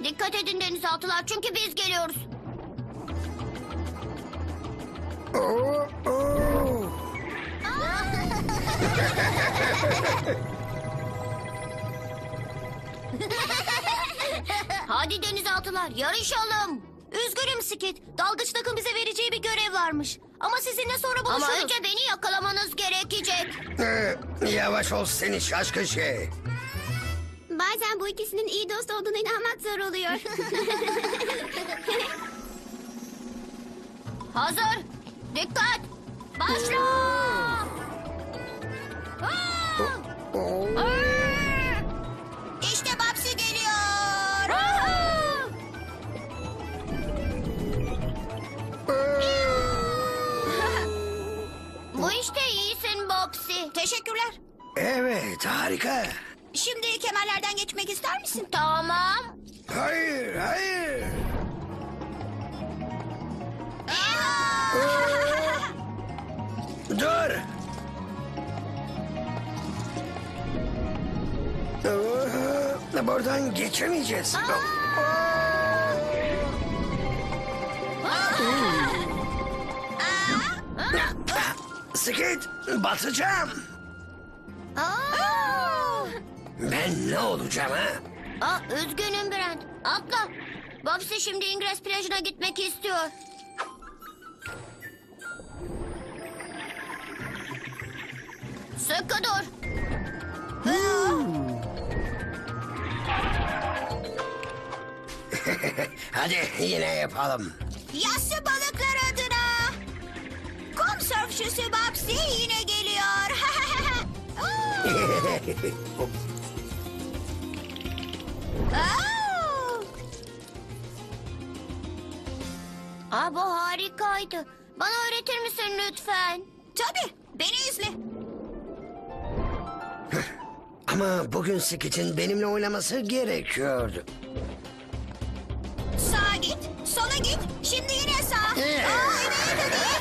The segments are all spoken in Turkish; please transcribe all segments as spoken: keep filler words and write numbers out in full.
Dikkat edin denizaltılar çünkü biz geliyoruz. Oo, oo. Hadi denizaltılar yarışalım. Üzgünüm Skit. Dalgıç takım bize vereceği bir görev varmış. Ama sizinle sonra buluşuruz. Ama önce beni yakalamanız gerekecek. Ee, yavaş ol seni şaşkın şey. Bazen bu ikisinin iyi dost olduğuna inanmak zor oluyor. Hazır. Dikkat. Başla. Aa! Oo. İşte Babsi geliyor. Bu işte iyisin Bobsi. Teşekkürler. Evet harika. Şimdi kemerlerden geçmek ister misin? Tamam. Hayır hayır. Dur. Oo, buradan geçemeyeceğiz. Skit, batacağım. Aa! Ben ne olacağım ha? Aa, üzgünüm Brent. Atla. Bobsi şimdi İngiliz plajına gitmek istiyor. Sıkı dur. Hadi yine yapalım. Yassı balıklar adına. Kum sörfçüsü Babsi yine geliyor. Oo! Aa, bu harikaydı. Bana öğretir misin lütfen? Tabii, beni izle. Ama bugün Skit'in benimle oynaması gerekiyordu. Sağa git, sola git. Şimdi yine sağ. Ee. Aa, evet, evet.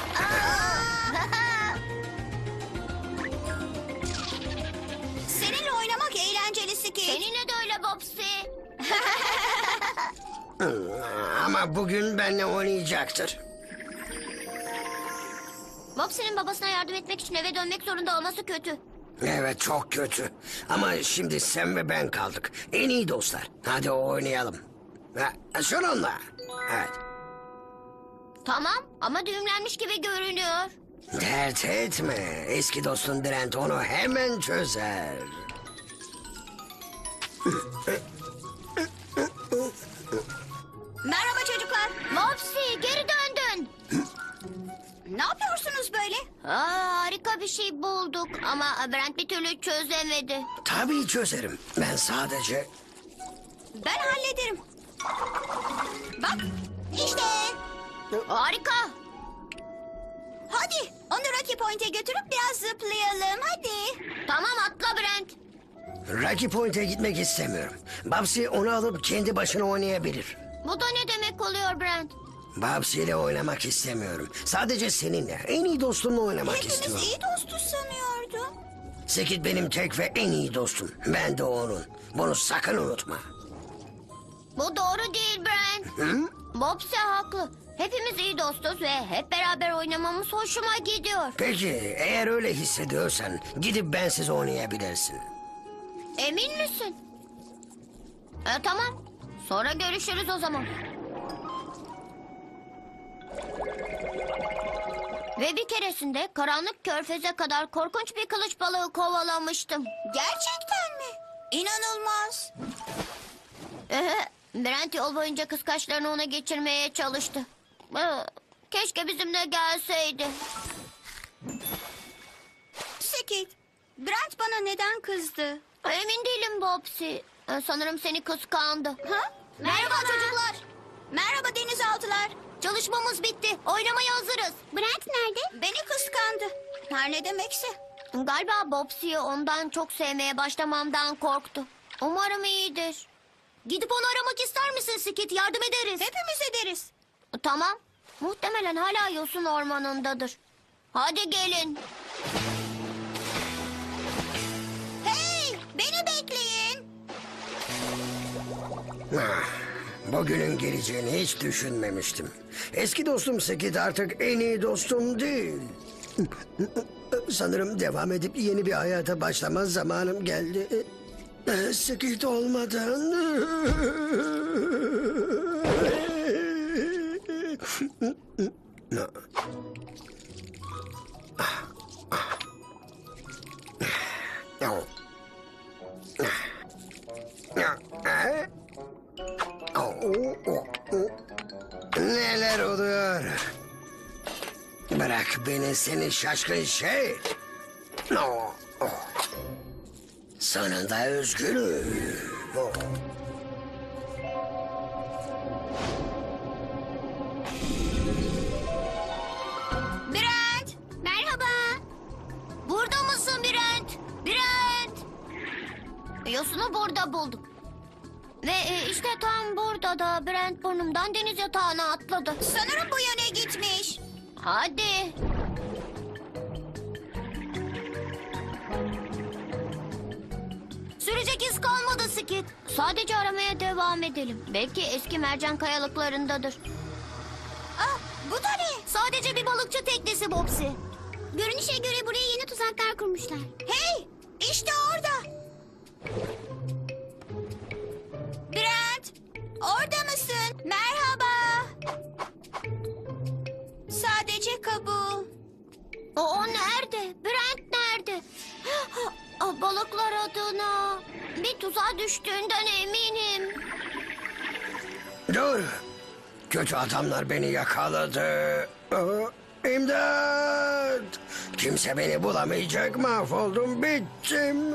Seninle oynamak eğlenceli Skit. Seninle de öyle Bobsi. Ama bugün benimle oynayacaktır. Bobsi'nin babasına yardım etmek için eve dönmek zorunda olması kötü. Evet çok kötü. Ama şimdi sen ve ben kaldık. En iyi dostlar. Hadi oynayalım. Ha, şununla. Evet. Tamam ama düğümlenmiş gibi görünüyor. Dert etme. Eski dostun Brent onu hemen çözer. Merhaba çocuklar. Bobsi geri döndün. Ne yapıyorsunuz böyle? Aa, harika bir şey bulduk ama Brent bir türlü çözemedi. Tabii çözerim. Ben sadece... Ben hallederim. Bak, işte. Harika. Hadi, onu Rocky Point'e götürüp biraz zıplayalım. Hadi. Tamam atla Brent. Rocky Point'e gitmek istemiyorum. Babsi onu alıp kendi başına oynayabilir. Bu da ne demek oluyor Brent? Babsi ile oynamak istemiyorum. Sadece seninle, en iyi dostumla oynamak Hepimiz istiyorum. iyi dostuz sanıyordum. Skit benim tek ve en iyi dostum. Ben de onun. Bunu sakın unutma. Bu doğru değil Brent. Hı? Bobsi haklı. Hepimiz iyi dostuz ve hep beraber oynamamız hoşuma gidiyor. Peki eğer öyle hissediyorsan gidip bensiz oynayabilirsin. Emin misin? E, tamam. Sonra görüşürüz o zaman. Ve bir keresinde karanlık körfeze kadar korkunç bir kılıç balığı kovalamıştım. Gerçekten mi? İnanılmaz. Ehe, Brent yol boyunca kıskaçlarını ona geçirmeye çalıştı. Ee, Keşke bizimle gelseydi. Skit, Brent bana neden kızdı? Emin değilim Bobsi. Ee, Sanırım seni kıskandı. Ha? Merhaba çocuklar. Merhaba denizaltılar. Çalışmamız bitti. Oynamaya hazırız. Brent nerede? Beni kıskandı. Her ne demekse. Galiba Bobsi'yi ondan çok sevmeye başlamamdan korktu. Umarım iyidir. Gidip onu aramak ister misin Skit? Yardım ederiz. Hepimiz ederiz. Tamam. Muhtemelen hala yosun ormanındadır. Hadi gelin. Hey, beni bekleyin. Ah, Bugünün geleceğini hiç düşünmemiştim. Eski dostum Skid artık en iyi dostum değil. Sanırım devam edip yeni bir hayata başlama zamanım geldi. Skid olmadan... Neler oluyor? Bırak beni seni şaşkın şey. Oh, oh. Sonunda özgürüm. Oh. Brent! Merhaba. Burada mısın Brent? Brent! Yosunu burada bulduk. Ve e, işte tam burada da Brent burnumdan deniz yatağına atladı. Sanırım bu yöne gitmiş. Hadi. Sürecek iz kalmadı Skid. Sadece aramaya devam edelim. Belki eski mercan kayalıklarındadır. Ah, bu da ne? Sadece bir balıkçı teknesi Bobsy. Görünüşe göre buraya yeni tuzaklar kurmuşlar. Hey! İşte orada. Brent! Orada mısın? Merhaba. Sadece kabuğu. O, o nerede? Brent nerede? Ah, balıklar adına. Bir tuzağa düştüğünden eminim. Dur. Kötü adamlar beni yakaladı. Oh, İmdat! Kimse beni bulamayacak. Mahvoldum, bittim.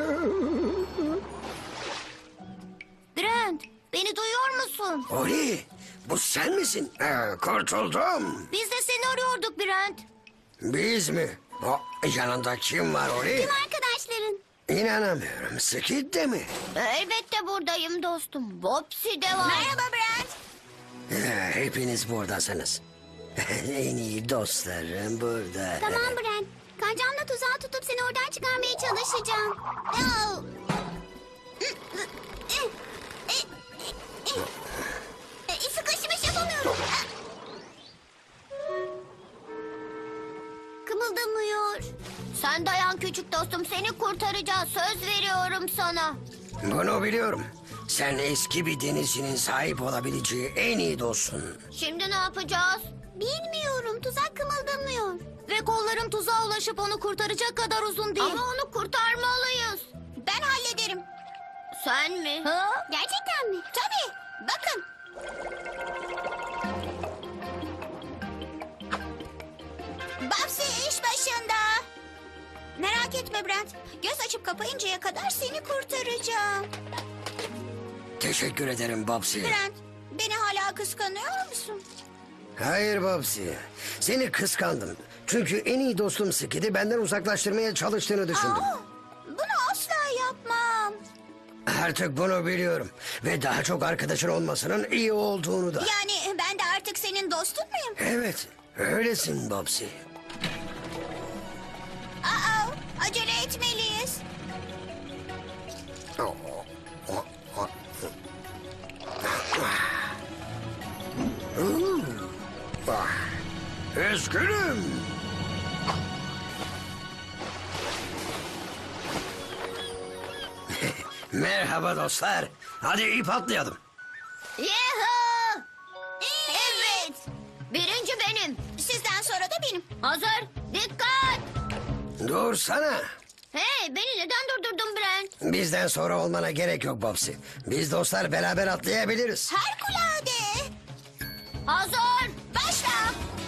Brent, beni duyuyor musun? Ori, bu sen misin? Ee, kurtuldum. Biz de seni arıyorduk Brent. Biz mi? O, yanında kim var Ori? Arkadaşların. İnanamıyorum. Skid de mi? Elbette buradayım dostum. Bobsy de var. Merhaba Brent. Ee, Hepiniz buradasınız. En iyi dostlarım burada. Tamam Brent. Kancamla tuzağı tutup seni oradan çıkarmaya çalışacağım. Oh. Sıkışmış yapamıyorum. Kımıldamıyor. Sen dayan küçük dostum. Seni kurtaracağız. Söz veriyorum sana. Bunu biliyorum. Sen eski bir denizcinin sahip olabileceği en iyi dostsun. Şimdi ne yapacağız? Bilmiyorum. Tuzak kımıldamıyor. Ve kollarım tuzağa ulaşıp onu kurtaracak kadar uzun değil. Ama onu kurtarmalıyız. Ben hallederim. Sen mi? Ha? Gerçekten mi? Tabii. Bakın. Babsi iş başında. Merak etme Brent. Göz açıp kapayıncaya kadar seni kurtaracağım. Teşekkür ederim Babsi. Brent, beni hala kıskanıyor musun? Hayır Babsi. Seni kıskandım. Çünkü en iyi dostum Skid'i benden uzaklaştırmaya çalıştığını düşündüm. Aa, bunu asla yapmam. Artık bunu biliyorum. Ve daha çok arkadaşın olmasının iyi olduğunu da. Yani ben de artık senin dostun muyum? Evet, öylesin Babsi. Aa, acele etmeliyiz. Üzgünüm. Merhaba dostlar. Hadi ip atlayalım. Yuhu! Evet. Birinci benim. Sizden sonra da benim. Hazır. Dikkat. Dursana. Hey, beni neden durdurdun Brent? Bizden sonra olmana gerek yok Babsi. Biz dostlar beraber atlayabiliriz. Harikulade. Hazır. Başla.